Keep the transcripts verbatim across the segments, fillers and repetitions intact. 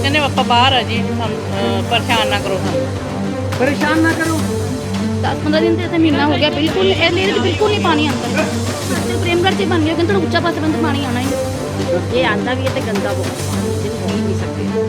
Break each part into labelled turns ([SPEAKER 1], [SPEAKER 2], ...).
[SPEAKER 1] ਕਹਿੰਦੇ ਆਪਾਂ ਬਾਹਰ ਆ ਜੀ, ਸਾਨੂੰ ਅਹ, ਪਰੇਸ਼ਾਨ ਨਾ ਕਰੋ ਸਾਨੂੰ।
[SPEAKER 2] परेशान ना करो।
[SPEAKER 3] दस पंद्रह दिन से महीना हो गया, बिल्कुल ए लेर बिल्कुल नहीं पानी आता। तो प्रेमगढ़ से बन गया कि थोड़ा ऊंचा पास बंद पानी आना ही।
[SPEAKER 4] ये आंदा भी है तो गंदा बहुत पानी जिन्हें पी नहीं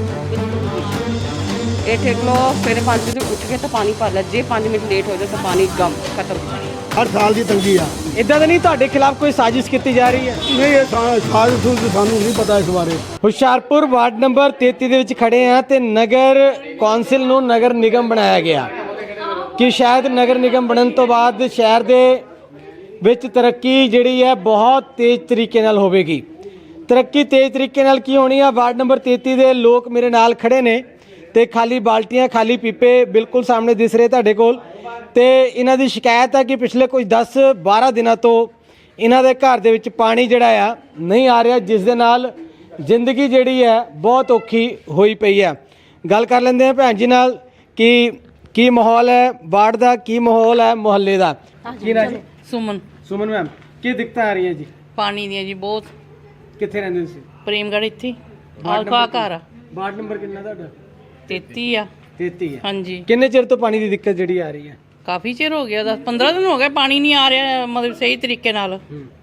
[SPEAKER 4] सकते। ये ठेक लो फिर पाँच बजे उठ के तो पानी भर लो, जे पाँच मिनट लेट हो जाए तो पानी गम खत्म।
[SPEAKER 2] हर साल की तंगी आ।
[SPEAKER 5] इदा तो नहीं ਤੁਹਾਡੇ ਖਿਲਾਫ ਕੋਈ ਸਾਜ਼ਿਸ਼ ਕੀਤੀ ਜਾ ਰਹੀ ਹੈ?
[SPEAKER 2] नहीं ये साल सूल सानू नहीं पता इस बारे।
[SPEAKER 5] ਹੁਸ਼ਿਆਰਪੁਰ ਵਾਰਡ ਨੰਬਰ ਤੇਤੀ ਦੇ ਵਿੱਚ ਖੜੇ ਆ ਤੇ ਨਗਰ ਕੌਂਸਲ ਨੂੰ ਨਗਰ ਨਿਗਮ ਬਣਾਇਆ ਗਿਆ ਕਿ ਸ਼ਾਇਦ ਨਗਰ ਨਿਗਮ ਬਣਨ ਤੋਂ ਬਾਅਦ ਸ਼ਹਿਰ ਦੇ ਵਿੱਚ ਤਰੱਕੀ ਜਿਹੜੀ ਹੈ ਬਹੁਤ ਤੇਜ਼ ਤਰੀਕੇ ਨਾਲ ਹੋਵੇਗੀ। ਤਰੱਕੀ ਤੇਜ਼ ਤਰੀਕੇ ਨਾਲ ਕੀ ਹੋਣੀ ਆ? ਵਾਰਡ ਨੰਬਰ ਤੇਤੀ ਦੇ ਲੋਕ ਮੇਰੇ ਨਾਲ ਖੜੇ ਨੇ ਤੇ ਖਾਲੀ ਬਾਲਟੀਆਂ ਖਾਲੀ ਪੀਪੇ ਬਿਲਕੁਲ ਸਾਹਮਣੇ ਦਿਸ ਰਹੇ ਤੁਹਾਡੇ ਕੋਲ। ਤੇ ਇਹਨਾਂ ਦੀ ਸ਼ਿਕਾਇਤ ਹੈ ਕਿ ਪਿਛਲੇ ਕੁਝ ਦਸ ਬਾਰਾਂ ਦਿਨਾਂ ਤੋਂ ਇਹਨਾਂ ਦੇ ਘਰ ਦੇ ਵਿੱਚ ਪਾਣੀ ਜਿਹੜਾ ਆ ਨਹੀਂ ਆ ਰਿਹਾ, ਜਿਸ ਦੇ ਨਾਲ ਜ਼ਿੰਦਗੀ ਜਿਹੜੀ ਹੈ ਬਹੁਤ ਔਖੀ ਹੋਈ ਪਈ ਹੈ। ਗੱਲ ਕਰ ਲੈਂਦੇ ਹਾਂ ਭੈਣ ਜੀ ਨਾਲ ਕਿ ਕੀ ਮਾਹੌਲ ਹੈ ਵਾਰਡ ਦਾ, ਕੀ ਮਾਹੌਲ ਹੈ ਮੁਹੱਲੇ ਦਾ। ਕੀ ਨਾ ਜੀ?
[SPEAKER 1] ਸੁਮਨ।
[SPEAKER 5] ਸੁਮਨ ਮੈਮ, ਕੀ ਦਿੱਕਤਾਂ ਆ ਰਹੀਆਂ ਜੀ?
[SPEAKER 1] ਪਾਣੀ ਦੀਆਂ ਜੀ ਬਹੁਤ।
[SPEAKER 5] ਕਿੱਥੇ ਰਹਿੰਦੇ ਤੁਸੀਂ?
[SPEAKER 1] ਪ੍ਰੇਮਗੜ੍ਹ ਇੱਥੇ
[SPEAKER 5] ਵਾਰਡ
[SPEAKER 1] ਆਲਫਾ
[SPEAKER 5] ਨੰਬਰ
[SPEAKER 1] ਘਰ ਆ।
[SPEAKER 5] ਵਾਰਡ ਨੰਬਰ ਕਿੰਨਾ ਤੁਹਾਡਾ?
[SPEAKER 1] ਤੇਤੀ ਆ।
[SPEAKER 5] ਤੇਤੀ ਹੈ।
[SPEAKER 1] ਹਾਂਜੀ,
[SPEAKER 5] ਕਿੰਨੇ ਚਿਰ ਤੋਂ ਪਾਣੀ ਦੀ ਦਿੱਕਤ ਜਿਹੜੀ ਆ ਰਹੀ ਹੈ?
[SPEAKER 1] ਕਾਫੀ ਚਿਰ ਹੋ ਗਿਆ, ਦਸ ਪੰਦਰਾਂ ਦਿਨ ਹੋ ਗਏ ਪਾਣੀ ਨਹੀਂ ਆ ਰਿਹਾ ਮਤਲਬ ਸਹੀ ਤਰੀਕੇ ਨਾਲ।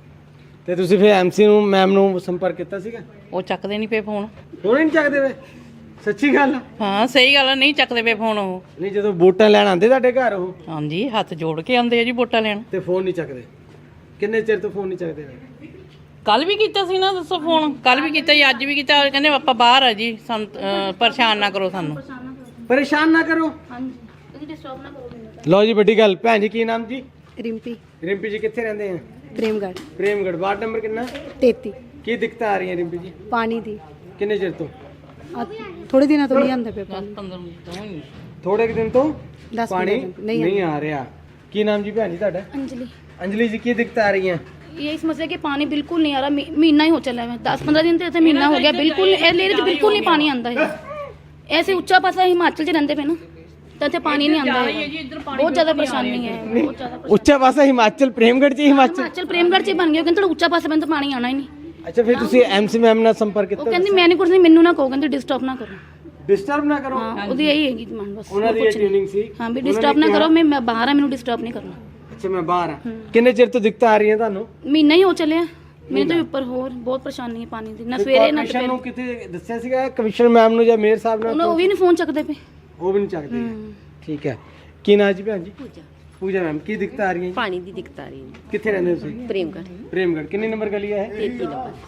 [SPEAKER 5] ਤੇ ਤੁਸੀਂ ਫਿਰ ਐਮਸੀ ਨੂੰ ਮੈਮ ਨੂੰ ਸੰਪਰਕ ਕੀਤਾ ਸੀਗਾ?
[SPEAKER 1] ਉਹ ਚੱਕਦੇ ਨਹੀਂ ਪਏ ਫੋਨ।
[SPEAKER 5] ਫੋਨ ਹੀ ਨਹੀਂ ਚੱਕਦੇ ਵੇ? ਸੱਚੀ ਗੱਲ ਆ?
[SPEAKER 1] ਹਾਂ ਸਹੀ ਗੱਲ ਆ, ਨਹੀਂ ਚੱਕਦੇ ਪਏ ਫੋਨ ਉਹ।
[SPEAKER 5] ਨਹੀਂ, ਜਦੋਂ ਵੋਟਾਂ ਲੈਣ ਆਉਂਦੇ ਤੁਹਾਡੇ ਘਰ ਉਹ
[SPEAKER 1] ਹਾਂਜੀ, ਹੱਥ ਜੋੜ ਕੇ ਆਉਂਦੇ ਆ ਜੀ ਵੋਟਾਂ ਲੈਣ।
[SPEAKER 5] ਤੇ ਫੋਨ ਨਹੀਂ ਚੱਕਦੇ? ਕਿੰਨੇ ਚਿਰ ਤੋਂ ਫੋਨ ਨਹੀਂ ਚੱਕਦੇ ਵੇ?
[SPEAKER 1] ਕੱਲ ਵੀ ਕੀਤਾ ਸੀ ਨਾ, ਦੱਸੋ ਫੋਨ ਕੱਲ ਵੀ ਕੀਤਾ ਜੀ, ਅੱਜ ਵੀ ਕੀਤਾ। ਕਹਿੰਦੇ ਆਪਾਂ ਬਾਹਰ ਆ ਜੀ, ਸਾਨੂੰ ਅਹ, ਪਰੇਸ਼ਾਨ ਨਾ ਕਰੋ ਸਾਨੂੰ।
[SPEAKER 5] ਪਰੇਸ਼ਾਨ ਨਾ ਕਰੋ।
[SPEAKER 3] ਹਾਂਜੀ, ਤੁਸੀਂ डिस्टर्ब ना करो मैंने।
[SPEAKER 5] ਲਓ ਜੀ, ਵੱਡੀ ਗੱਲ। ਭੈਣ ਜੀ ਕੀ ਨਾਮ ਜੀ?
[SPEAKER 4] रिम्पी
[SPEAKER 5] ਰਿੰਪੀ ਜੀ ਕਿੱਥੇ ਰਹਿੰਦੇ ਆ?
[SPEAKER 4] प्रेमगढ़
[SPEAKER 5] ਪ੍ਰੇਮਗੜ। ਵਾਰਡ ਨੰਬਰ ਕਿੰਨਾ?
[SPEAKER 4] तेती
[SPEAKER 5] ਕੀ ਦਿੱਕਤਾਂ ਆ ਰਹੀਆਂ ਰਿੰਪੀ ਜੀ?
[SPEAKER 4] पानी दी
[SPEAKER 5] ਕਿੰਨੇ ਚਿਰ ਤੋਂ?
[SPEAKER 4] थोड़े दिन तो नहीं आंदा पे
[SPEAKER 1] ਦਸ ਪੰਦਰਾਂ ਮਿੰਟ ਤੋਂ ਹੀ।
[SPEAKER 5] ਥੋੜੇ ਕੁ ਦਿਨ ਤੋਂ
[SPEAKER 4] दस
[SPEAKER 5] ਪਾਣੀ
[SPEAKER 4] पंद्रह दिन नहीं
[SPEAKER 5] ਨਹੀਂ ਆ ਰਿਹਾ। ਕੀ ਨਾਮ ਜੀ ਭੈਣ ਜੀ ਤੁਹਾਡਾ?
[SPEAKER 3] अंजलि,
[SPEAKER 5] ਅੰਜਲੀ ਜੀ, ਕੀ ਦਿੱਕਤਾਂ ਆ ਰਹੀਆਂ?
[SPEAKER 3] यही समस्या कि पानी बिल्कुल नहीं आ रहा। मी- महीना ही हो चला है, दस पंद्रह दिन से महीना हो गया, बिल्कुल ए लेर बिल्कुल नहीं पानी आता है। ऐसे ऊंचा पासा हिमाचल च रहते पे ना, तो इत्थे पानी नहीं आता है। बहुत ज्यादा परेशानी है, बहुत ज्यादा।
[SPEAKER 5] ਉੱਚਾ ਪਾਸਾ ਹਿਮਾਚਲ, ਪ੍ਰੇਮਗੜ ਚ ਹਿਮਾਚਲ।
[SPEAKER 3] हिमाचल प्रेमगढ़ च बन गया, कहते थोड़ा ऊंचा पासा बंद पानी आना ही नहीं।
[SPEAKER 5] ਅੱਛਾ, ਫਿਰ ਤੁਸੀਂ ਐਮਸੀ ਮੈਮ ਨਾਲ ਸੰਪਰਕ
[SPEAKER 3] वो
[SPEAKER 5] ਕੀਤਾ?
[SPEAKER 3] कहती मैं नहीं कुछ नहीं, मैनू ना कहो, कहते डिस्टर्ब ना करो।
[SPEAKER 5] ਡਿਸਟਰਬ ਨਾ ਕਰੋ।
[SPEAKER 3] हाँ, ਉਹਦੀ यही हैगी डिमांड बस।
[SPEAKER 5] ਉਹਨਾਂ ਦੀ
[SPEAKER 3] कुछ नहीं।
[SPEAKER 5] ਟ੍ਰੇਨਿੰਗ ਸੀ।
[SPEAKER 3] हाँ भी डिस्टर्ब ना करो, मैं मैं बाहर आ, मैनू डिस्टर्ब नहीं करना।
[SPEAKER 5] ਅੱਛਾ, ਮੈਂ ਬਾਹਰ ਆ। ਕਿੰਨੇ ਚਿਰ ਤੋਂ ਦਿੱਕਤਾਂ ਆ ਰਹੀਆਂ ਤੁਹਾਨੂੰ?
[SPEAKER 3] महीना ही हो चले मेरे तो ऊपर होर बहुत परेशानी है पानी दी, ना सवेरे ना
[SPEAKER 5] ਕਮਿਸ਼ਨ ਨੂੰ
[SPEAKER 3] दोपहर।
[SPEAKER 5] ਕਿਤੇ ਦੱਸਿਆ ਸੀਗਾ ਕਮਿਸ਼ਨਰ ਮੈਮ ਨੂੰ ਜਾਂ ਮੇਅਰ ਸਾਹਿਬ
[SPEAKER 3] ਉਹਨਾਂ
[SPEAKER 5] ਨਾਲ?
[SPEAKER 3] ਉਹ ਵੀ ਨਹੀਂ ਫੋਨ ਚੱਕਦੇ ਪਏ।
[SPEAKER 5] ਉਹ ਵੀ ਨਹੀਂ ਚੱਕਦੇ। ਠੀਕ ਹੈ। ਕੀ ਨਾਂ ਜੀ ਭੈਣ ਜੀ? ਪੂਜਾ ਮੈਮ, ਕੀ ਦਿੱਕਤਾਂ ਆ ਰਹੀਆਂ ਜੀ?
[SPEAKER 4] पानी दी दिक्कत आ रही है।
[SPEAKER 5] ਕਿੱਥੇ ਰਹਿੰਦੇ ਤੁਸੀਂ?
[SPEAKER 4] प्रेमगढ़
[SPEAKER 5] ਪ੍ਰੇਮਗੜ। ਕਿੰਨੀ ਨੰਬਰ ਗਲੀ ਹੈ ਇਹ?
[SPEAKER 4] तेती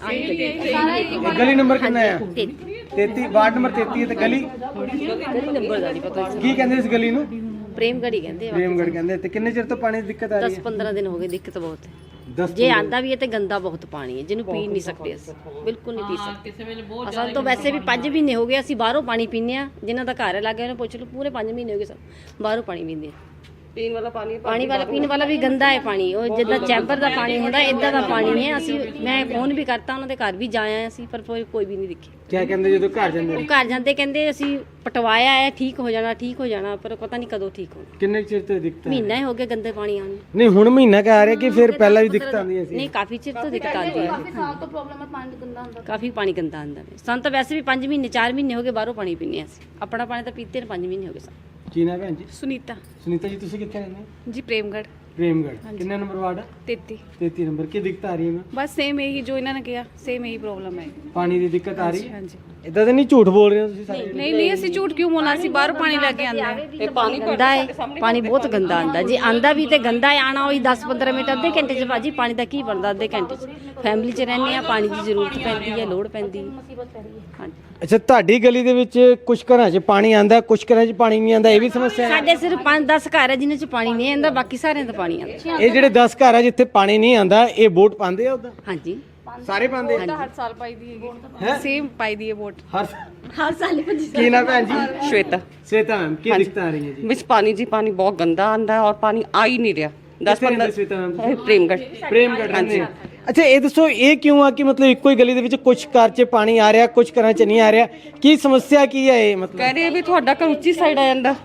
[SPEAKER 4] नंबर
[SPEAKER 5] ਇਹ ਗਲੀ ਨੰਬਰ ਕਿੰਨਾ ਹੈ?
[SPEAKER 4] तेती
[SPEAKER 5] ਤੇਤੀ। ਵਾਰਡ ਨੰਬਰ ਤੇਤੀ ਹੈ ਤੇ ਗਲੀ
[SPEAKER 4] गली नंबर का नहीं पता।
[SPEAKER 5] ਕੀ ਕਹਿੰਦੇ ਇਸ ਗਲੀ ਨੂੰ?
[SPEAKER 4] प्रेमगढ़ ही कहते हैं।
[SPEAKER 5] ਪ੍ਰੇਮਗੜ ਕਹਿੰਦੇ। ਤੇ ਕਿੰਨੇ ਚਿਰ ਤੋਂ ਪਾਣੀ ਦੀ ਦਿੱਕਤ ਆ ਰਹੀ
[SPEAKER 4] दस
[SPEAKER 5] ਹੈ?
[SPEAKER 4] पंद्रह दिन हो गए, दिक्कत बहुत है।
[SPEAKER 5] ਦਸ
[SPEAKER 4] जे आंदा भी है तो गंदा बहुत पानी है, जिन्हों पी नहीं सकते अस, बिल्कुल नहीं पी सकते।
[SPEAKER 1] ਕਿਸੇ ਵੇਲੇ ਬਹੁਤ
[SPEAKER 4] ਅਸਾਂ ਤਾਂ ਵੈਸੇ ਵੀ ਪੰਜ ਮਹੀਨੇ ਹੋ ਗਏ ਅਸੀਂ ਬਾਹਰੋਂ ਪਾਣੀ ਪੀਂਦੇ ਆ, ਜਿਨ੍ਹਾਂ ਦਾ ਘਰ ਲੱਗੇ ਉਹਨੇ ਪੁੱਛ ਲਓ, ਪੂਰੇ ਪੰਜ ਮਹੀਨੇ ਹੋ ਗਏ ਸਭ ਬਾਹਰੋਂ ਪਾਣੀ ਪੀਂਦੇ ਆ। ਪੀਣ ਵਾਲਾ ਪਾਣੀ ਪਾਣੀ ਵਾਲਾ ਪੀਣ ਵਾਲਾ ਵੀ ਗੰਦਾ ਹੈ ਪਾਣੀ, ਉਹ ਜਿੱਦਾਂ ਚੈਂਬਰ ਦਾ ਪਾਣੀ ਹੁੰਦਾ ਇਦਾਂ ਦਾ ਪਾਣੀ ਹੈ। ਅਸੀਂ ਮੈਂ ਫੋਨ ਵੀ ਕਰਤਾ, ਉਹਨਾਂ ਦੇ ਘਰ ਵੀ ਜਾਇਆ ਅਸੀਂ, ਪਰ ਕੋਈ ਕੋਈ ਵੀ ਨਹੀਂ ਦਿਖੇ।
[SPEAKER 5] ਕੀ ਕਹਿੰਦੇ ਜਦੋਂ ਘਰ ਜਾਂਦੇ
[SPEAKER 4] ਉਹ
[SPEAKER 5] ਨੇ?
[SPEAKER 4] ਘਰ ਜਾਂਦੇ ਕਹਿੰਦੇ ਅਸੀਂ ਪਟਵਾਇਆ ਹੈ, ਠੀਕ ਹੋ ਜਾਣਾ ਠੀਕ ਹੋ ਜਾਣਾ, ਪਰ ਪਤਾ ਨਹੀਂ ਕਦੋਂ ਠੀਕ ਹੋਣਾ।
[SPEAKER 5] ਕਿੰਨੇ ਚਿਰ ਤੋਂ ਦਿੱਕਤ?
[SPEAKER 4] ਮਹੀਨਾ ਹੀ ਹੋ ਗਿਆ ਗੰਦੇ ਪਾਣੀ ਆਉਣ ਨੂੰ।
[SPEAKER 5] ਨਹੀਂ, ਹੁਣ ਮਹੀਨਾ ਕਹ ਆ ਰਿਹਾ ਕਿ ਫਿਰ ਪਹਿਲਾਂ ਵੀ ਦਿੱਕਤ ਆਉਂਦੀਆਂ ਸੀ?
[SPEAKER 4] ਨਹੀਂ, ਕਾਫੀ ਚਿਰ ਤੋਂ ਦਿੱਕਤ ਆਉਂਦੀ ਹੈ,
[SPEAKER 3] ਕਾਫੀ ਸਾਲ ਤੋਂ ਪ੍ਰੋਬਲਮ ਹੈ, ਪਾਣੀ ਗੰਦਾ ਹੁੰਦਾ।
[SPEAKER 4] ਕਾਫੀ ਪਾਣੀ ਗੰਦਾ ਆਉਂਦਾ ਹੈ। ਸਾਨੂੰ ਤਾਂ ਵੈਸੇ ਵੀ ਪੰਜ ਮਹੀਨੇ ਚਾਰ ਮਹੀਨੇ ਹੋ ਗਏ ਬਾਹਰੋਂ ਪਾਣੀ ਪੀਂਦੇ ਹਾਂ ਅਸੀਂ, ਆਪਣਾ ਪਾਣੀ ਤਾਂ ਪੀਤੇ ਨੇ ਪੰਜ ਮਹੀਨੇ ਹੋ ਗਏ ਸਾਨੂੰ।
[SPEAKER 5] ਕੀ ਨਾ ਭੈਣ ਜੀ?
[SPEAKER 4] ਸੁਨੀਤਾ
[SPEAKER 5] ਸੁਨੀਤਾ ਜੀ, ਤੁਸੀਂ ਕਿੱਥੇ ਰਹਿੰਦੇ ਹੋ?
[SPEAKER 4] जी प्रेमगढ़
[SPEAKER 5] ਪ੍ਰੇਮਗੜ। ਕਿੰਨੇ ਨੰਬਰ ਵਾਰਡ ਹੈ?
[SPEAKER 4] तेती।
[SPEAKER 5] ਤੇਤੀ ਨੰਬਰ। ਕੀ ਦਿੱਕਤ ਆ ਰਹੀ ਹੈ ਮੈਮ?
[SPEAKER 4] बस सेम यही जो इन्होंने किया, सेम यही प्रॉब्लम है।
[SPEAKER 5] ਪਾਣੀ ਦੀ ਦਿੱਕਤ ਆ ਰਹੀ?
[SPEAKER 4] हाँ जी।
[SPEAKER 5] ਇਦਾਂ ਤਾਂ ਨਹੀਂ ਝੂਠ ਬੋਲ ਰਹੇ ਹੋ ਤੁਸੀਂ ਸਾਰੇ?
[SPEAKER 4] नहीं नहीं ਅਸੀਂ ਝੂਠ ਕਿਉਂ ਬੋਲਣਾ, ਅਸੀਂ ਬਾਹਰੋਂ ਪਾਣੀ ਲੈ ਕੇ ਆਂਦੇ ਆ। ਇਹ ਪਾਣੀ ਗੰਦਾ ਹੈ, ਪਾਣੀ ਬਹੁਤ ਗੰਦਾ ਆਂਦਾ ਜੀ। ਆਂਦਾ ਵੀ ਤੇ ਗੰਦਾ ਹੈ, ਆਣਾ ਹੋਈ ਦਸ ਪੰਦਰਾਂ ਮਿੰਟ ਅੱਧੇ ਘੰਟੇ ਚ ਭਾਜੀ ਪਾਣੀ ਦਾ ਕੀ ਬਣਦਾ ਅੱਧੇ ਘੰਟੇ ਚ। ਫੈਮਿਲੀ ਚ ਰਹਿੰਦੇ ਆ, ਪਾਣੀ ਦੀ ਜ਼ਰੂਰਤ ਪੈਂਦੀ ਹੈ, ਲੋੜ ਪੈਂਦੀ ਹੈ। ਹਾਂਜੀ,
[SPEAKER 5] ਅੱਛਾ, ਤੁਹਾਡੀ ਗਲੀ ਦੇ ਵਿੱਚ ਕੁਝ ਘਰਾਂ 'ਚ ਪਾਣੀ ਆਂਦਾ, ਕੁਝ ਘਰਾਂ 'ਚ ਪਾਣੀ ਨਹੀਂ ਆਂਦਾ, ਇਹ ਵੀ ਸਮੱਸਿਆ ਹੈ?
[SPEAKER 4] ਸਾਡੇ ਸਿਰਫ ਪੰਜ ਦਸ ਘਰ ਹੈ ਜਿਨ੍ਹਾਂ ਚ ਪਾਣੀ ਨਹੀਂ ਆਂਦਾ, ਬਾਕੀ ਸਾਰਿਆਂ ਦਾ ਪਾਣੀ ਆਂਦਾ।
[SPEAKER 5] ਇਹ ਜਿਹੜੇ ਦਸ ਘਰ ਆ ਜਿੱਥੇ ਪਾਣੀ ਨਹੀਂ ਆਂਦਾ, ਇਹ ਵੋਟ ਪਾਉਂਦੇ ਆ ਉਦਾਂ?
[SPEAKER 4] ਹਾਂਜੀ,
[SPEAKER 5] ਸਾਰੇ ਪਾਉਂਦੇ ਆ?
[SPEAKER 4] ਹਰ ਸਾਲ ਪਾਈ ਦੀ ਹੈ, ਸੇਮ ਪਾਈ ਦੀ ਹੈ ਵੋਟ
[SPEAKER 5] ਹਰ
[SPEAKER 4] ਹਰ ਸਾਲ ਹੀ।
[SPEAKER 5] ਕੀ ਨਾ ਭੈਣ ਜੀ?
[SPEAKER 6] श्वेता।
[SPEAKER 5] ਸਵੇਤਾ ਮੈਮ, ਕੀ ਦਿੱਕਤ ਆ ਰਹੀ ਹੈ ਜੀ?
[SPEAKER 6] मिस पानी जी पानी बहुत गंदा आंदा है और पानी आ ही नहीं रहा। दस
[SPEAKER 5] ਕਿੱਥੇ ਰਹਿੰਦੇ
[SPEAKER 6] पंद्रह
[SPEAKER 5] ਸਵੇਤਾ ਮੈਮ?
[SPEAKER 6] प्रेमगढ़।
[SPEAKER 5] ਪ੍ਰੇਮਗੜ ਰਹਿੰਦੇ ਆ। ਅੱਛਾ, ਇਹ ਦੱਸੋ ਇਹ ਕਿਉਂ ਆ ਕਿ ਮਤਲਬ ਇੱਕੋ ਹੀ ਗਲੀ ਦੇ ਵਿੱਚ ਕੁਝ ਘਰ 'ਚ ਪਾਣੀ ਆ ਰਿਹਾ, ਕੁਝ ਘਰਾਂ 'ਚ ਨਹੀਂ ਆ ਰਿਹਾ? ਕੀ ਸਮੱਸਿਆ ਕੀ ਹੈ ਇਹ? ਮਤਲਬ
[SPEAKER 6] कह रहे भी ਤੁਹਾਡਾ ਘਰ ਉੱਚੀ ਸਾਈਡ ਆ ਜਾਂਦਾ,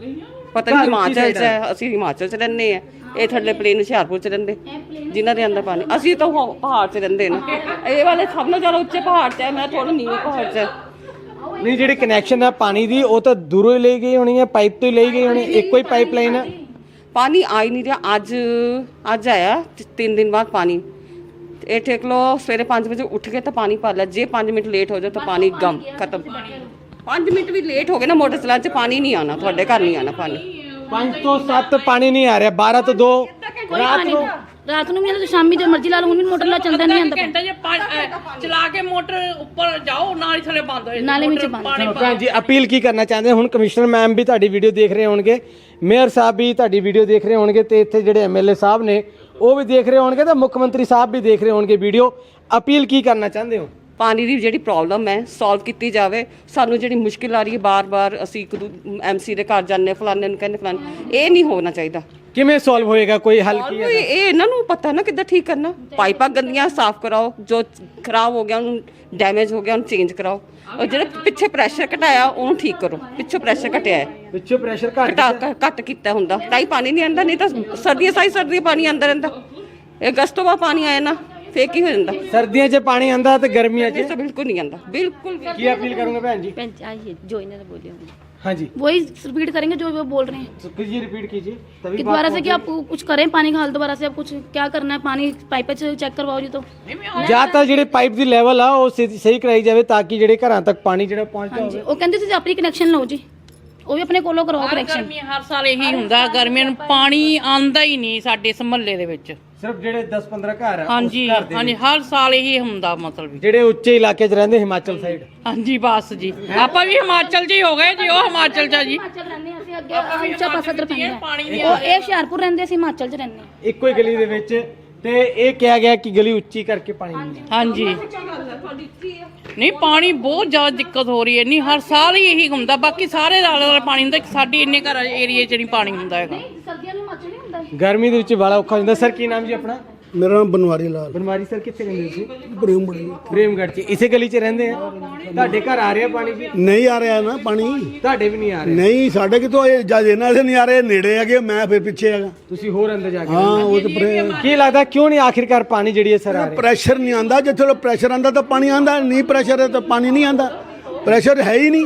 [SPEAKER 6] ਪਤਾ ਨਹੀਂ ਹਿਮਾਚਲ 'ਚ ਹੈ, ਅਸੀਂ ਹਿਮਾਚਲ 'ਚ ਰਹਿੰਦੇ ਆ, ਇਹ ਥੱਲੇ ਪਲੇਨ ਹੁਸ਼ਿਆਰਪੁਰ 'ਚ ਰਹਿੰਦੇ, ਜਿਨ੍ਹਾਂ ਦੇ ਅੰਦਰ ਪਾਣੀ। ਅਸੀਂ ਤਾਂ ਉਹ ਪਹਾੜ 'ਚ ਰਹਿੰਦੇ ਨੇ, ਇਹ ਵਾਲੇ ਸਭ ਨਾਲੋਂ ਜ਼ਿਆਦਾ ਉੱਚੇ ਪਹਾੜ 'ਚ ਹੈ, ਮੈਂ ਥੋੜਾ ਨੀਵੇਂ ਪਹਾੜ 'ਚ।
[SPEAKER 5] ਨਹੀਂ ਜਿਹੜੀ ਕਨੈਕਸ਼ਨ ਹੈ ਪਾਣੀ ਦੀ ਉਹ ਤਾਂ ਦੂਰੋਂ ਹੀ ਲਈ ਗਈ ਹੋਣੀ ਹੈ, ਪਾਈਪ ਤੋਂ ਹੀ ਲਈ ਗਈ ਹੋਣੀ, ਇੱਕੋ ਹੀ ਪਾਈਪਲਾਈਨ ਹੈ।
[SPEAKER 6] ਪਾਣੀ ਆ ਹੀ ਨਹੀਂ ਰਿਹਾ। ਅੱਜ ਅੱਜ ਆਇਆ ਤਿੰਨ ਦਿਨ ਬਾਅਦ ਪਾਣੀ। ਇਹ ਦੇਖ ਲਓ ਸਵੇਰੇ ਪੰਜ ਵਜੇ ਉੱਠ ਕੇ ਤਾਂ ਪਾਣੀ ਭਰ ਲਿਆ, ਜੇ ਪੰਜ ਮਿੰਟ ਲੇਟ ਹੋ ਜਾਏ ਤਾਂ ਪਾਣੀ ਗਮ ਖਤਮ। ਪੰਜ ਮਿੰਟ ਵੀ ਲੇਟ ਹੋ ਗਏ ਨਾ ਮੋਟਰ ਚਲਾਉਣ 'ਚ ਪਾਣੀ ਨਹੀਂ ਆਉਣਾ, ਤੁਹਾਡੇ ਘਰ ਨਹੀਂ ਆਉਣਾ ਪਾਣੀ।
[SPEAKER 5] ਪੰਜ ਤੋਂ ਸੱਤ ਪਾਣੀ ਨਹੀਂ ਆ ਰਿਹਾ, ਬਾਰਾਂ ਤੋਂ ਦੋ ਰਾਤ ਨੂੰ
[SPEAKER 3] ਰਾਤ ਨੂੰ ਵੀ ਜਦੋਂ ਸ਼ਾਮੀ ਜੇ ਮਰਜ਼ੀ ਲਾ ਲਓ, ਹੁਣ ਵੀ ਮੋਟਰ ਲਾ ਚੱਲਦਾ ਨਹੀਂ ਆਂਦਾ
[SPEAKER 1] ਘੰਟਾ ਜੇ ਪੰਜ ਅਹ, ਚਲਾ ਕੇ ਮੋਟਰ ਉੱਪਰ ਜਾਓ ਨਾਲ ਹੀ ਥੱਲੇ ਬੰਦ ਹੋ ਜਾਂਦੀ
[SPEAKER 3] ਨਾਲੇ ਵਿੱਚ ਬੰਦ।
[SPEAKER 5] ਚਲੋ ਭੈਣ ਜੀ ਅਪੀਲ ਕੀ ਕਰਨਾ ਚਾਹੁੰਦੇ ਹੁਣ? ਕਮਿਸ਼ਨਰ ਮੈਮ ਵੀ ਤੁਹਾਡੀ ਵੀਡੀਓ ਦੇਖ ਰਹੇ ਹੋਣਗੇ, ਮੇਅਰ ਸਾਹਿਬ ਵੀ ਤੁਹਾਡੀ ਵੀਡੀਓ ਦੇਖ ਰਹੇ ਹੋਣਗੇ, ਤੇ ਇੱਥੇ ਜਿਹੜੇ ਐਮਐਲਏ ਸਾਹਿਬ ਨੇ ਉਹ ਵੀ ਦੇਖ ਰਹੇ ਹੋਣਗੇ, ਤੇ ਮੁੱਖ ਮੰਤਰੀ ਸਾਹਿਬ ਵੀ ਦੇਖ ਰਹੇ ਹੋਣਗੇ ਵੀਡੀਓ। ਅਪੀਲ ਕੀ ਕਰਨਾ ਚਾਹੁੰਦੇ ਹੋ?
[SPEAKER 6] ਪਾਣੀ ਦੀ ਜਿਹੜੀ ਪ੍ਰੋਬਲਮ ਹੈ ਸੋਲਵ ਕੀਤੀ ਜਾਵੇ। ਸਾਨੂੰ ਜਿਹੜੀ ਮੁਸ਼ਕਿਲ ਆ ਰਹੀ ਹੈ ਬਾਰ-ਬਾਰ ਅਸੀਂ ਇੱਕ ਐਮਸੀ ਦੇ ਘਰ ਜਾਂਦੇ, ਫਲਾਣੇ ਨੂੰ ਕਹਿੰਦੇ ਫਲਾਣੇ, ਇਹ ਨਹੀਂ ਹੋਣਾ ਚਾਹੀਦਾ।
[SPEAKER 5] ਕਿਵੇਂ ਸੋਲਵ ਹੋਏਗਾ? ਕੋਈ ਹੱਲ ਕੀ ਹੈ?
[SPEAKER 6] ਇਹ ਇਹਨਾਂ ਨੂੰ ਪਤਾ ਨਾ ਕਿੱਦਾਂ ਠੀਕ ਕਰਨਾ। ਪਾਈਪਾਂ ਗੰਦੀਆਂ ਸਾਫ਼ ਕਰਾਓ, ਜੋ ਖਰਾਬ ਹੋ ਗਿਆ ਉਹਨੂੰ, ਡੈਮੇਜ ਹੋ ਗਿਆ ਉਹਨੂੰ ਚੇਂਜ ਕਰਾਓ, ਔਰ ਜਿਹੜਾ ਪਿੱਛੇ ਪ੍ਰੈਸ਼ਰ ਘਟਾਇਆ ਉਹਨੂੰ ਠੀਕ ਕਰੋ। ਪਿੱਛੇ ਪ੍ਰੈਸ਼ਰ ਘਟਿਆ ਹੈ,
[SPEAKER 5] ਪਿੱਛੋਂ ਪ੍ਰੈਸ਼ਰ ਘਟ
[SPEAKER 6] ਘਟਾ ਘੱਟ ਕੀਤਾ ਹੁੰਦਾ ਤਾਂ ਹੀ ਪਾਣੀ ਨਹੀਂ ਆਉਂਦਾ, ਨਹੀਂ ਤਾਂ ਸਰਦੀਆਂ ਸਾਰੀ ਸਰਦੀਆਂ ਪਾਣੀ ਆਉਂਦਾ ਰਹਿੰਦਾ। ਇਹ ਅਗਸਤ ਤੋਂ ਬਾਅਦ ਪਾਣੀ ਆਇਆ ਨਾ ਫੇਰ ਕੀ ਹੋ ਜਾਂਦਾ।
[SPEAKER 5] ਸਰਦੀਆਂ 'ਚ ਪਾਣੀ ਆਂਦਾ ਤੇ ਗਰਮੀਆਂ 'ਚ
[SPEAKER 6] ਇਹ ਤਾਂ ਬਿਲਕੁਲ ਨਹੀਂ ਆਉਂਦਾ, ਬਿਲकुल भी।
[SPEAKER 5] ਕੀ ਅਪੀਲ ਕਰੋਗੇ ਭੈਣ ਜੀ?
[SPEAKER 4] आइए जो इन्होंने बोले होंगे
[SPEAKER 5] हाँ जी
[SPEAKER 3] वही रिपीट करेंगे जो वो बोल रहे हैं
[SPEAKER 5] तो कीजिए, रिपीट कीजिए तभी
[SPEAKER 3] कि
[SPEAKER 5] बात
[SPEAKER 3] दोबारा से
[SPEAKER 5] होगी।
[SPEAKER 3] कि आप कुछ करें पानी का हल, दोबारा से आप कुछ क्या करना है, पानी पाइप से चेक करवाओ जी। तो
[SPEAKER 5] ਜ਼ਿਆਦਾਤਰ ਜਿਹੜੇ ਪਾਈਪ ਦੀ ਲੈਵਲ ਆ ਉਹ ਸਹੀ ਸਹੀ ਕਰਾਈ ਜਾਵੇ ਤਾਂ ਕਿ ਜਿਹੜੇ ਘਰਾਂ ਤੱਕ ਪਾਣੀ ਜਿਹੜਾ ਪਹੁੰਚਦਾ ਹੋਵੇ।
[SPEAKER 3] ਉਹ ਕਹਿੰਦੇ ਤੁਸੀਂ ਆਪਣੀ ਕਨੈਕਸ਼ਨ ਲਓ ਜੀ, ਉਹ ਵੀ ਆਪਣੇ ਕੋਲੋਂ ਕਰਵਾਓ ਕਨੈਕਸ਼ਨ।
[SPEAKER 1] ਗਰਮੀ ਹਰ ਸਾਲ ਇਹੀ ਹੁੰਦਾ, ਗਰਮੀਆਂ ਨੂੰ ਪਾਣੀ ਆਂਦਾ ਹੀ ਨਹੀਂ ਸਾਡੇ ਇਸ ਮੁਹੱਲੇ ਦੇ ਵਿੱਚ।
[SPEAKER 5] ਸਿਰਫ ਜਿਹੜੇ ਦਸ ਪੰਦਰਾਂ ਘਰ ਆ ਉਸ
[SPEAKER 1] ਹਾਂਜੀ
[SPEAKER 5] ਘਰ ਦੇ
[SPEAKER 1] ਹਾਂਜੀ ਹਰ ਸਾਲ ਇਹੀ ਹੁੰਦਾ ਮਤਲਬ ਵੀ।
[SPEAKER 5] ਜਿਹੜੇ ਉੱਚੇ ਇਲਾਕੇ 'ਚ ਰਹਿੰਦੇ ਹਿਮਾਚਲ ਸਾਈਡ।
[SPEAKER 1] ਹਾਂਜੀ ਬਸ ਜੀ, ਆਪਾਂ ਵੀ ਹਿਮਾਚਲ 'ਚ ਹੀ ਹੋ ਗਏ ਜੀ, ਉਹ ਹਿਮਾਚਲ 'ਚ ਆ ਜੀ।
[SPEAKER 3] ਹਿਮਾਚਲ ਰਹਿੰਦੇ ਹਾਂ ਅਸੀਂ, ਅੱਗੇ ਉੱਚਾ ਪਾਸਾ ਇੱਧਰ ਪੈਂਦਾ ਹੈ। ਉਹ ਇਹ ਹੁਸ਼ਿਆਰਪੁਰ ਰਹਿੰਦੇ, ਅਸੀਂ ਹਿਮਾਚਲ 'ਚ ਰਹਿੰਦੇ ਹਾਂ।
[SPEAKER 5] ਇੱਕੋ ਹੀ ਗਲੀ ਦੇ ਵਿੱਚ, ਤੇ ਇਹ ਕਿਹਾ ਗਿਆ ਕਿ ਗਲੀ ਉੱਚੀ ਕਰਕੇ ਪਾਣੀ ਨਹੀਂ ਆਉਂਦਾ।
[SPEAKER 1] ਹਾਂਜੀ ਨਹੀਂ ਪਾਣੀ ਬਹੁਤ ਜ਼ਿਆਦਾ ਦਿੱਕਤ ਹੋ ਰਹੀ ਹੈ, ਨਹੀਂ ਹਰ ਸਾਲ ਹੀ ਇਹੀ ਹੁੰਦਾ, ਬਾਕੀ ਸਾਰੇ ਆਲੇ ਦੁਆਲੇ ਪਾਣੀ ਹੁੰਦਾ, ਸਾਡੇ ਇੰਨੇ ਘਰ ਏਰੀਏ 'ਚ ਨਹੀਂ ਪਾਣੀ ਹੁੰਦਾ ਹੈਗਾ।
[SPEAKER 3] ਸਰਦੀਆਂ ਨੂੰ ਹਿਮਾਚਲ ਨਹੀਂ ਹੁੰਦਾ।
[SPEAKER 5] ਗਰਮੀ ਦੇ ਵਿੱਚ ਬੜਾ ਔਖਾ ਹੁੰਦਾ। ਸਰ ਕੀ ਨਾਮ ਜੀ ਆਪਣਾ?
[SPEAKER 2] ਮੇਰਾ ਨਾਮ ਬਨਵਾਰੀ ਲਾਲ
[SPEAKER 5] ਬਨਵਾਰੀ ਸਰ, ਕਿੱਥੇ ਰਹਿੰਦੇ ਤੁਸੀਂ?
[SPEAKER 2] ਬਰੇਮਬੜੀ।
[SPEAKER 5] ਪ੍ਰੇਮਗੜ੍ਹ 'ਚ ਇਸੇ ਗਲੀ 'ਚ ਰਹਿੰਦੇ ਆ? ਤੁਹਾਡੇ ਘਰ ਆ ਰਿਹਾ ਪਾਣੀ ਜੀ?
[SPEAKER 2] ਨਹੀਂ ਆ ਰਿਹਾ ਨਾ ਪਾਣੀ,
[SPEAKER 5] ਤੁਹਾਡੇ ਵੀ ਨਹੀਂ ਆ ਰਿਹਾ?
[SPEAKER 2] ਨਹੀਂ ਸਾਡੇ ਕਿਤੋਂ ਇਹ ਜਦ ਇਹਨਾਂ ਦੇ ਨਹੀਂ ਆ ਰਹੇ, ਨੇੜੇ ਹੈਗੇ, ਮੈਂ ਫਿਰ ਪਿੱਛੇ ਹੈਗਾ।
[SPEAKER 5] ਤੁਸੀਂ ਹੋਰ ਅੰਦਰ ਜਾ ਕੇ
[SPEAKER 2] ਹਾਂ ਉਹ ਤੇ
[SPEAKER 5] ਕੀ ਲੱਗਦਾ ਕਿਉਂ ਨਹੀਂ ਆਖਿਰਕਾਰ ਪਾਣੀ ਜਿਹੜੀ ਹੈ ਸਰ ਆ ਰਹੀ?
[SPEAKER 2] ਪ੍ਰੈਸ਼ਰ ਨਹੀਂ ਆਂਦਾ। ਜਿੱਥੇ ਪ੍ਰੈਸ਼ਰ ਆਂਦਾ ਤਾਂ ਪਾਣੀ ਆਂਦਾ, ਨਹੀਂ ਪ੍ਰੈਸ਼ਰ ਹੈ ਤਾਂ ਪਾਣੀ ਨਹੀਂ ਆਂਦਾ। ਪ੍ਰੈਸ਼ਰ ਹੈ ਹੀ ਨਹੀਂ।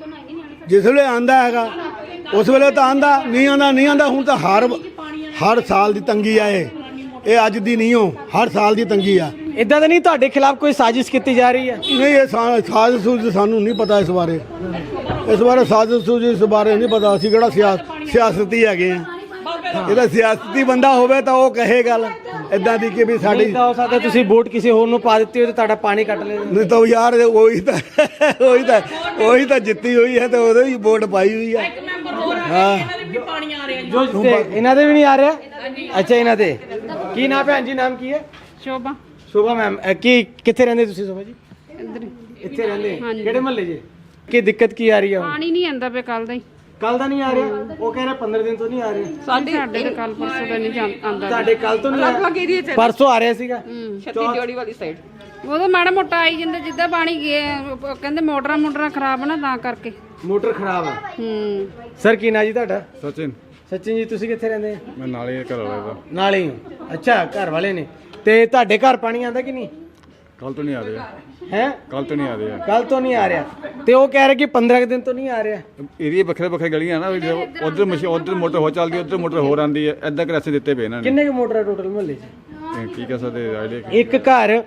[SPEAKER 2] ਜਿਸ ਵੇਲੇ ਆਂਦਾ ਹੈਗਾ ਉਸ ਵੇਲੇ ਤਾਂ ਆਂਦਾ, ਨਹੀਂ ਆਂਦਾ ਨਹੀਂ ਆਂਦਾ। ਹੁਣ ਤਾਂ ਹਰ ਹਰ ਸਾਲ ਦੀ ਤੰਗੀ ਆ, ਇਹ ਇਹ ਅੱਜ ਦੀ ਨਹੀਂ ਹੋ, ਹਰ ਸਾਲ ਦੀ ਤੰਗੀ ਆ।
[SPEAKER 5] ਇਦਾਂ ਤਾਂ ਨਹੀਂ ਤੁਹਾਡੇ ਖਿਲਾਫ ਕੋਈ ਸਾਜ਼ਿਸ਼ ਕੀਤੀ ਜਾ ਰਹੀ ਹੈ?
[SPEAKER 2] ਨਹੀਂ ਇਹ ਸਾ- ਸਾਜ਼ਿਸ਼ ਸੂਜ਼ਿਸ਼ ਸਾਨੂੰ ਨਹੀਂ ਪਤਾ ਇਸ ਬਾਰੇ। ਇਸ ਬਾਰੇ ਸਾਜ਼ਿਸ਼ ਸੂਜ਼ਿਸ਼ ਇਸ ਬਾਰੇ ਨਹੀਂ ਪਤਾ। ਅਸੀਂ ਕਿਹੜਾ ਸਿਆਸ ਸਿਆਸਤੀ ਹੈਗੇ ਆ। ਇਹਦਾ ਸਿਆਸਤੀ ਬੰਦਾ ਹੋਵੇ ਤਾਂ ਉਹ ਕਹੇ ਗੱਲ ਇਦਾਂ ਦੀ ਕਿ ਵੀ ਸਾਡੀ
[SPEAKER 5] ਨਹੀਂ ਤਾਂ ਹੋ ਸਕਦਾ ਤੁਸੀਂ ਵੋਟ ਕਿਸੇ ਹੋਰ ਨੂੰ ਪਾ ਦਿੱਤੀ ਹੋਵੇ ਤੇ ਤੁਹਾਡਾ ਪਾਣੀ ਕੱਟ ਲੈ।
[SPEAKER 2] ਨਹੀਂ ਤਾਂ ਯਾਰ ਉਹੀ ਤਾਂ ਉਹੀ ਤਾਂ ਉਹੀ ਤਾਂ ਜਿੱਤੀ ਹੋਈ ਹੈ ਤੇ ਉਹਦੇ ਵੀ ਵੋਟ ਪਾਈ ਹੋਈ ਹੈ। ਹਾਂ
[SPEAKER 1] ਪਾਣੀ ਆ ਰਿਹਾ
[SPEAKER 5] ਜੋ ਜਿੱਤੇ ਇਹਨਾਂ ਦੇ ਵੀ ਨਹੀਂ ਆ ਰਿਹਾ? ਅੱਛਾ ਇਹਨਾਂ ਦੇ ਕੀ ਨਾਮ? ਭੈਣ ਜੀ ਨਾਮ ਕੀ ਹੈ?
[SPEAKER 7] ਸ਼ੋਭਾ।
[SPEAKER 5] ਸ਼ੋਭਾ ਮੈਮ, ਕੀ ਕਿੱਥੇ ਰਹਿੰਦੇ ਤੁਸੀਂ ਸ਼ੋਭਾ ਜੀ? ਇੱਥੇ ਰਹਿੰਦੇ? ਕਿਹੜੇ ਮਹੱਲੇ 'ਚ? ਕੀ ਦਿੱਕਤ ਕੀ ਆ ਰਹੀ ਹੈ?
[SPEAKER 7] ਪਾਣੀ ਨਹੀਂ ਆਂਦਾ ਪਿਆ ਕੱਲ ਦਾ ਹੀ।
[SPEAKER 5] ਕੱਲ ਦਾ ਨਹੀਂ ਆ ਰਿਹਾ? ਉਹ ਕਹਿ ਰਿਹਾ ਪੰਦਰਾਂ ਦਿਨ ਤੋਂ ਨਹੀਂ ਆ ਰਿਹਾ।
[SPEAKER 7] ਸਾਡੇ ਸਾਡੇ ਤਾਂ ਕੱਲ ਪਰਸੋਂ ਦਾ ਨਹੀਂ ਜਾਂ- ਆਂਦਾ।
[SPEAKER 5] ਤੁਹਾਡੇ ਕੱਲ ਤੋਂ ਨਹੀਂ ਆ
[SPEAKER 6] ਅਲੱਗ ਏਰੀਏ 'ਚ
[SPEAKER 5] ਪਰਸੋਂ ਆ ਰਿਹਾ ਸੀਗਾ।
[SPEAKER 6] ਛੱਤੀ ਜੋੜੀ ਵਾਲੀ ਸਾਈਡ
[SPEAKER 7] ਉਦੋਂ ਮਾੜਾ ਮੋਟਾ ਆਈ ਜਾਂਦਾ, ਜਿੱਦਾਂ ਪਾਣੀ ਗਿਆ ਉਹ ਕਹਿੰਦੇ ਮੋਟਰਾਂ ਮੋਟਰਾਂ ਖਰਾਬ ਨਾ ਤਾਂ ਕਰਕੇ।
[SPEAKER 5] ਮੋਟਰ ਖਰਾਬ ਹੈ।
[SPEAKER 7] ਹੂੰ
[SPEAKER 5] ਸਰ ਕੀ ਨਾਂ ਜੀ ਤੁਹਾਡਾ?
[SPEAKER 8] ਸਚਿਨ,
[SPEAKER 5] ਸਚਿਨ ਜੀ ਤੁਸੀਂ ਕਿੱਥੇ ਰਹਿੰਦੇ ਆ?
[SPEAKER 8] ਮੈਂ ਨਾਲੇ ਘਰ ਵਾਲੇ ਦਾ
[SPEAKER 5] ਨਾਲ ਹੀ ਹੋ? ਅੱਛਾ ਘਰ ਵਾਲੇ ਨੇ। ਤੇ ਤੁਹਾਡੇ ਘਰ ਪਾਣੀ ਆਂਦਾ ਕਿ ਨਹੀਂ?
[SPEAKER 8] ਕੱਲ ਤੋਂ ਨਹੀਂ ਆ ਰਿਹਾ,
[SPEAKER 5] ਹੈ
[SPEAKER 8] ਕੱਲ ਤੋਂ ਨਹੀਂ ਆ ਰਿਹਾ।
[SPEAKER 5] ਕੱਲ ਤੋਂ ਨਹੀਂ ਆ ਰਿਹਾ ਤੇ ਉਹ ਕਹਿ ਰਹੇ ਕਿ ਪੰਦਰਾਂ ਦਿਨ ਤੋਂ ਨਹੀਂ ਆ ਰਿਹਾ।
[SPEAKER 8] ਏਰੀਏ ਵੱਖਰੇ ਵੱਖਰੇ ਗਲੀਆਂ ਨਾ, ਉਧਰ ਮਸ਼ੀਨ ਉਧਰ ਮੋਟਰ ਹੋ ਚੱਲਦੀ, ਉਧਰ ਮੋਟਰ ਹੋਰ ਆਂਦੀ ਹੈ। ਐਦਾਂ ਕਰਾਸੇ ਦਿੱਤੇ ਪਏ ਇਹਨਾਂ ਨੇ।
[SPEAKER 5] ਕਿੰਨੇ ਕੁ ਮੋਟਰ ਟੋਟਲ ਮੁਹੱਲੇ 'ਚ?
[SPEAKER 8] ਕੀ ਕਹਿ ਸਕਦੇ ਆਈਡੀਆ?
[SPEAKER 5] ਇੱਕ ਘਰ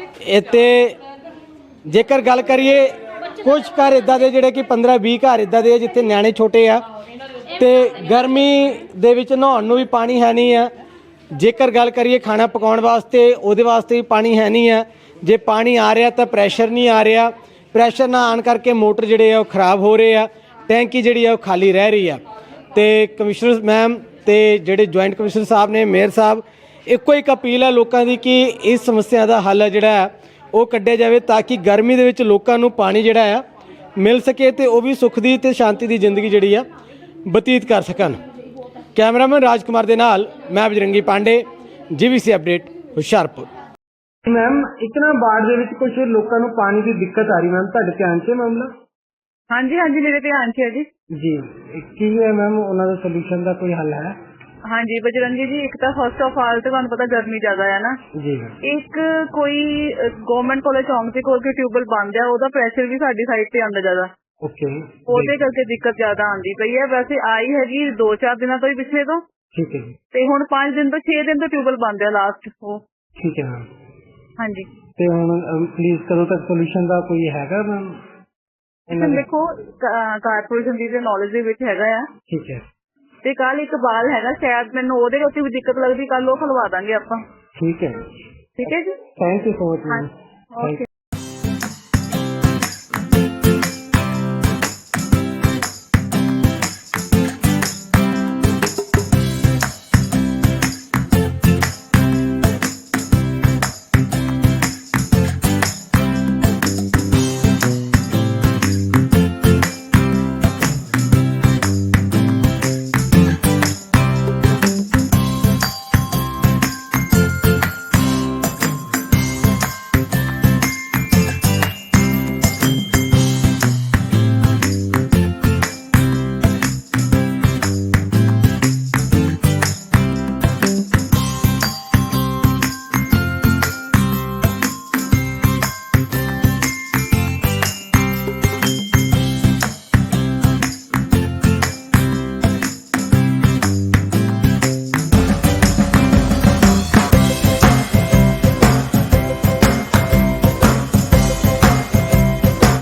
[SPEAKER 5] ਇੱਥੇ ਜੇਕਰ ਗੱਲ ਕਰੀਏ, ਕੁਝ ਘਰ ਇਦਾਂ ਦੇ ਜਿਹੜੇ ਕਿ ਪੰਦਰਾਂ ਵੀਹ ਘਰ ਇਦਾਂ ਦੇ ਆ ਜਿੱਥੇ ਨਿਆਣੇ ਛੋਟੇ ਆ ਤੇ ਗਰਮੀ ਦੇ ਵਿੱਚ ਨਹਾਉਣ ਨੂੰ ਵੀ ਪਾਣੀ ਹੈ ਨਹੀਂ ਆ। ਜੇਕਰ ਗੱਲ ਕਰੀਏ ਖਾਣਾ ਪਕਾਉਣ ਵਾਸਤੇ, ਉਹਦੇ ਵਾਸਤੇ ਵੀ ਪਾਣੀ ਹੈ ਨਹੀਂ ਆ। ਜੇ ਪਾਣੀ ਆ ਰਿਹਾ ਤਾਂ ਪ੍ਰੈਸ਼ਰ ਨਹੀਂ ਆ ਰਿਹਾ। ਪ੍ਰੈਸ਼ਰ ਨਾ ਆਉਣ ਕਰਕੇ ਮੋਟਰ ਜਿਹੜੇ ਆ ਉਹ ਖਰਾਬ ਹੋ ਰਹੇ ਆ, ਟੈਂਕੀ ਜਿਹੜੀ ਆ ਉਹ ਖਾਲੀ ਰਹਿ ਰਹੀ ਆ। ਤੇ ਕਮਿਸ਼ਨਰ ਮੈਮ ਤੇ ਜਿਹੜੇ ਜੁਆਇੰਟ ਕਮਿਸ਼ਨਰ ਸਾਹਿਬ ਨੇ, ਮੇਅਰ ਸਾਹਿਬ, ਇੱਕੋ ਇੱਕ ਅਪੀਲ ਹੈ ਲੋਕਾਂ ਦੀ ਕਿ ਇਸ ਸਮੱਸਿਆ ਦਾ ਹੱਲ ਜਿਹੜਾ ਉਹ ਕੱਢਿਆ ਜਾਵੇ ਤਾਂ ਕਿ ਗਰਮੀ ਦੇ ਵਿੱਚ ਲੋਕਾਂ ਨੂੰ ਪਾਣੀ ਜਿਹੜਾ ਆ ਮਿਲ ਸਕੇ ਤੇ ਉਹ ਵੀ ਸੁੱਖ ਦੀ ਤੇ ਸ਼ਾਂਤੀ ਦੀ ਜ਼ਿੰਦਗੀ ਜਿਹੜੀ ਆ ਬਤੀਤ ਕਰ ਸਕਣ। ਕੈਮਰਾਮੈਨ ਰਾਜਕੁਮਾਰ ਦੇ ਨਾਲ ਮੈਂ Bajrangi Pandey, GVC update, Hoshiarpur. Ma'am ਇੱਕ ਨਾ ਬਾੜ ਦੇ ਵਿੱਚ ਕੁਝ ਲੋਕਾਂ ਨੂੰ ਪਾਣੀ ਦੀ ਦਿੱਕਤ ਆ ਰਹੀ, ਮੈਮ ਤੁਹਾਡੇ ਧਿਆਨ 'ਚ ਮਾਮਲਾ?
[SPEAKER 9] ਹਾਂਜੀ ਹਾਂਜੀ ਮੇਰੇ ਧਿਆਨ 'ਚ ਹੈ ਜੀ।
[SPEAKER 5] ਜੀ ਕੀ ਹੈ ਮੈਮ, ਉਹਨਾਂ ਦਾ ਸੋਲੂਸ਼ਨ ਦਾ ਕੋਈ ਹੱਲ ਹੈ?
[SPEAKER 9] ਹਾਂਜੀ ਬਜਰੰਗੀ ਜੀ, ਇੱਕ ਤਾਂ ਫਸਟ ਆਫ ਆਲ ਤੇ ਤੁਹਾਨੂੰ ਪਤਾ ਗਰਮੀ ਜ਼ਿਆਦਾ ਹੈ ਨਾ
[SPEAKER 5] ਜੀ
[SPEAKER 9] ਇੱਕ ਕੋਈ ਗਵਰਨਮੈਂਟ ਕਾਲਜ ਚੌਂਕ ਦੇ ਕੋਲ ਕੋਈ ਟਿਊਬਲ ਬੰਦ ਆ, ਉਹਦਾ ਪ੍ਰੈਸ਼ਰ ਵੀ ਸਾਡੀ ਸਾਈਡ ਤੇ ਆਉਂਦਾ ਜ਼ਿਆਦਾ,
[SPEAKER 5] ਓਕੇ
[SPEAKER 9] ਉਹਦੇ ਕਰਕੇ ਦਿੱਕਤ ਜ਼ਿਆਦਾ ਆਉਂਦੀ ਪਈ ਹੈ। ਵੈਸੇ ਆਈ ਹੈਗੀ ਦੋ ਚਾਰ ਦਿਨਾਂ ਤੋਂ ਹੀ ਪਿਛਲੇ ਤੋਂ,
[SPEAKER 5] ਠੀਕ ਹੈ ਜੀ,
[SPEAKER 9] ਤੇ ਹੁਣ ਪੰਜ ਦਿਨ ਤੋਂ ਛੇ ਦਿਨ ਤੋਂ ਟਿਊਬਲ ਬੰਦ ਆ ਲਾਸਟ ਉਹ।
[SPEAKER 5] ਠੀਕ ਹੈ ਮੈਮ।
[SPEAKER 9] ਹਾਂਜੀ
[SPEAKER 5] ਤੇ ਹੁਣ ਪਲੀਜ਼ ਕਦੋਂ ਤੱਕ ਸੋਲੂਸ਼ਨ ਦਾ ਕੋਈ ਹੈਗਾ ਮੈਮ?
[SPEAKER 9] ਦੇਖੋ ਕਾਰਪੋਰੇਸ਼ਨ ਦੀ ਨੌਲੇਜ ਦੇ ਵਿੱਚ ਹੈਗਾ ਆ,
[SPEAKER 5] ਠੀਕ ਹੈ,
[SPEAKER 9] ਤੇ ਕੱਲ ਇੱਕ ਬਾਲ ਹੈਗਾ ਸ਼ਾਇਦ ਮੈਨੂੰ ਉਹਦੇ ਉੱਤੇ ਵੀ ਦਿੱਕਤ ਲੱਗਦੀ, ਕੱਲ ਉਹ ਖਲਵਾ ਦਾਂਗੇ ਆਪਾਂ।
[SPEAKER 5] ਠੀਕ ਹੈ,
[SPEAKER 9] ਠੀਕ ਹੈ ਜੀ,
[SPEAKER 5] thank you so much ma'am.
[SPEAKER 9] Okay.